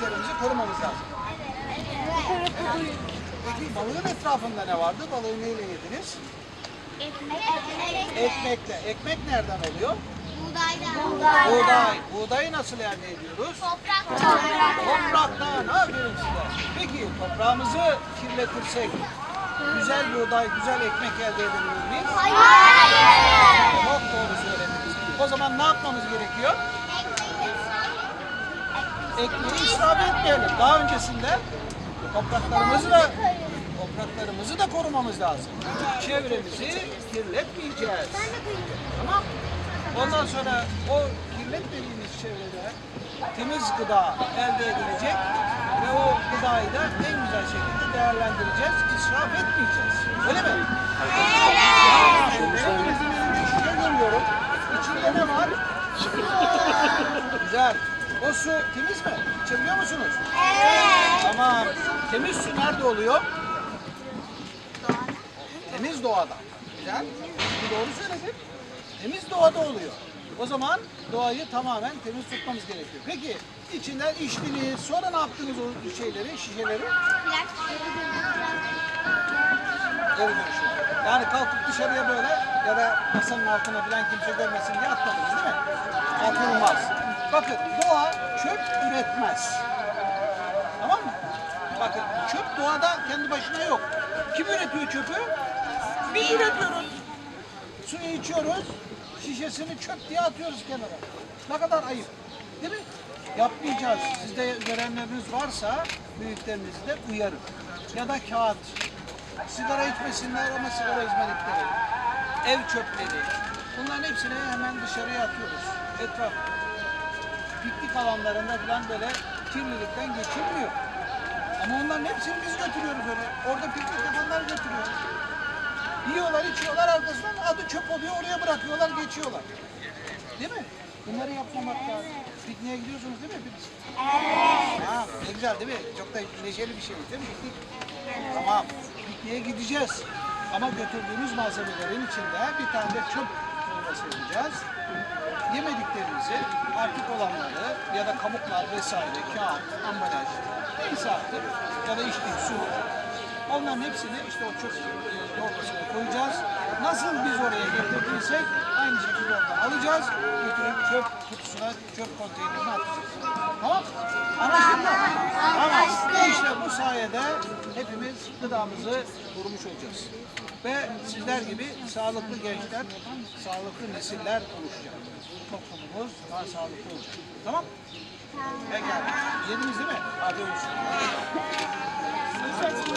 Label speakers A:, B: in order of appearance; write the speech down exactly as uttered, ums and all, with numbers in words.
A: yiyeceklerimizi korumamız lazım. Evet. Peki balığın etrafında ne vardı? Balığı neyle yediniz?
B: Ekmek.
A: Ekmekle. Ekmek nereden oluyor?
B: Buğdaydan.
A: Buğday. Buğdayı nasıl elde ediyoruz?
B: Topraktan.
A: Topraktan. Aferin size. Peki toprağımızı kirletirsek güzel buğday, güzel ekmek elde edebilir miyiz?
B: Hayır.
A: Çok doğru söylediniz. O zaman ne yapmamız gerekiyor? Ekmeği israf etmeyelim. Daha öncesinde topraklarımızı da topraklarımızı da korumamız lazım. Çevremizi kirletmeyeceğiz. Tamam? Ondan sonra o kirletmediğimiz çevrede temiz gıda elde edilecek ve o gıdayı da en güzel şekilde değerlendireceğiz, israf etmeyeceğiz. Öyle mi? Evet. Şimdi hepinizin elinde şişe görüyorum. İçinde ne var? Güzel. O su temiz mi? İçebiliyor musunuz? Evet. Tamam. Temiz su nerede oluyor? Temiz doğada. Güzel. Doğru söyledin. Temiz doğada oluyor. O zaman doğayı tamamen temiz tutmamız gerekiyor. Peki içinden içtiniz, sonra ne yaptınız o şeyleri, şişeleri? Geri dönüşüm. Yani kalkıp dışarıya böyle ya da masanın altına falan kimse görmesin diye atmadınız değil mi? Atılmaz. Bakın doğa çöp üretmez. Tamam mı? Bakın çöp doğada kendi başına yok. Kim üretiyor çöpü? Biz üretiyoruz. Suyu içiyoruz, şişesini çöp diye atıyoruz kenara. Ne kadar ayıp. Değil mi? Yapmayacağız. Sizde görenleriniz varsa büyüklerinizi de uyarın. Ya da kağıt. Sigara içmesinler ama sigara izmaritleri. Ev çöpleri. Bunların hepsini hemen dışarıya atıyoruz. Etraf. Piknik alanlarında falan böyle kirlilikten geçilmiyor. Ama onların hepsini biz götürüyoruz öyle. Orada piknik yapanlar götürüyor. Yiyorlar, içiyorlar, arkasından adı çöp oluyor, oraya bırakıyorlar, geçiyorlar. Değil mi? Bunları yapmamak lazım. Pikniğe gidiyorsunuz değil mi hepiniz? Evet. Ha, ne güzel değil mi? Çok da neşeli bir şey değil mi piknik? Evet. Tamam. Pikniğe gideceğiz. Ama götürdüğümüz malzemelerin içinde bir tane de çöp torbası yapacağız. Yemediklerimizi, artık olanları ya da kabuklar vesaire, kağıt, ambalaj, neyse artık ya da içtiğim su. Onların hepsini işte o çöp torbasına koyacağız. Nasıl biz oraya getirdiysek aynı şekilde oradan alacağız. Götürüp çöp kutusuna, çöp konteynerine atacağız. Tamam? Anlaştık mı? Tamam. İşte bu sayede hepimiz gıdamızı korumuş olacağız. Ve sizler gibi sağlıklı gençler, sağlıklı nesiller oluşacak. Toplumumuz daha sağlıklı olacak. Tamam? Pekala. Yediniz değil mi? Hadi olsun.